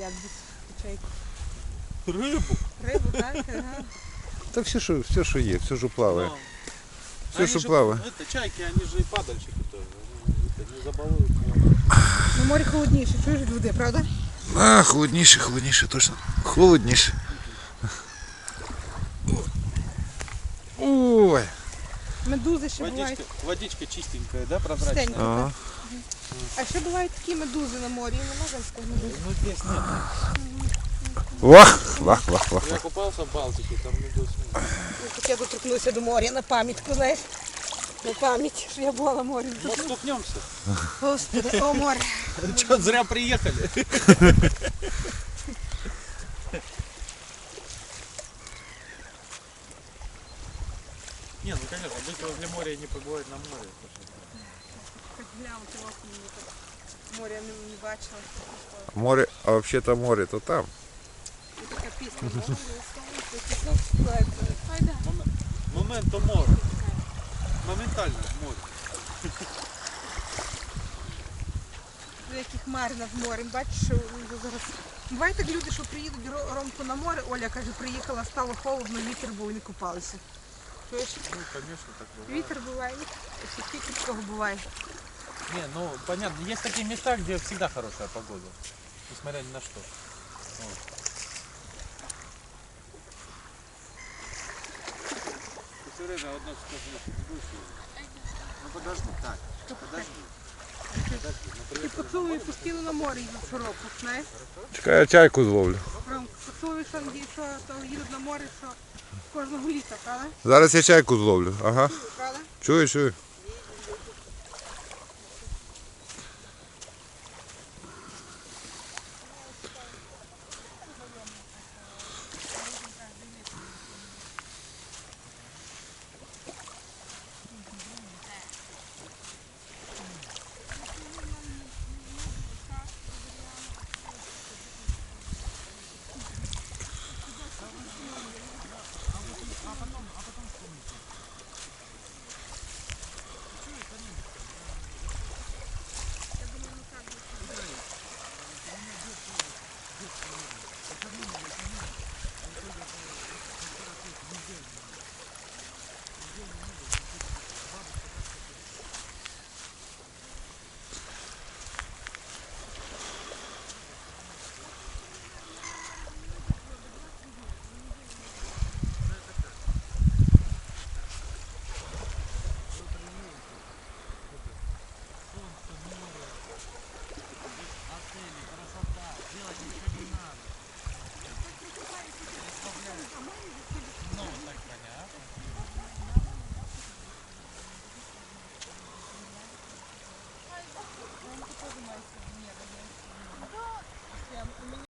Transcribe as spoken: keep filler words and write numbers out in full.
їдять без чайку? Рибу? Рибу, так? Ага. Та все, що, все, що є, все, що плаває. Но. Все, Они що же, плаває. это, чайки, они же и падальщики тоже. Они, это, не забалуют море. На морі холодніше, чуєш від води, правда? А, холодніше, холодніше, точно. Холодніше. Ой. Медузи ще бувають. Водичка, водичка чистенькая, да, прозрачная? Чистенька. Ага. А ще бувають такі медузи на морі, нема женських медуз. Ну здесь нет. Вах, вах, вах, вах. Я купался в Балтике, там медуз нет. Так я доторкнуся до моря на пам'ятку, знаєш. На пам'ять, що я була на морі. Вот стукнемся. Господи, о море. Че, зря приехали? Не, ну конечно, быть возле моря и не побывать на море. Хоч глянути в окно, мені так моря не, не бачила. Море, а взагалі-то море, то там. І така пісня. Море, Айда. Моменто море. Моментально море. Які хмари над морем, бачиш, що зараз. Буває так люди, що приїдуть Ро- Ромку на море, Оля каже, приїхала, стало холодно, вітер був і не купалися. Чуєш? Ну, конечно, так бывает. Вітер буває, і скільки такого буває. Не, ну понятно, есть такие места, где всегда хорошая погода, несмотря ни на что. Вот. Ты все время одно скажешь, ну подожди, так, подожди, подожди, ну І приехали. поцілує постійно на море їдуть широко, знаєш? Чекай, я чайку зловлю. Ромка, поцілує, що, що то їдуть на море, що кожного літа, правда? Зараз я чайку зловлю. Ага. Правда? Чую, чую.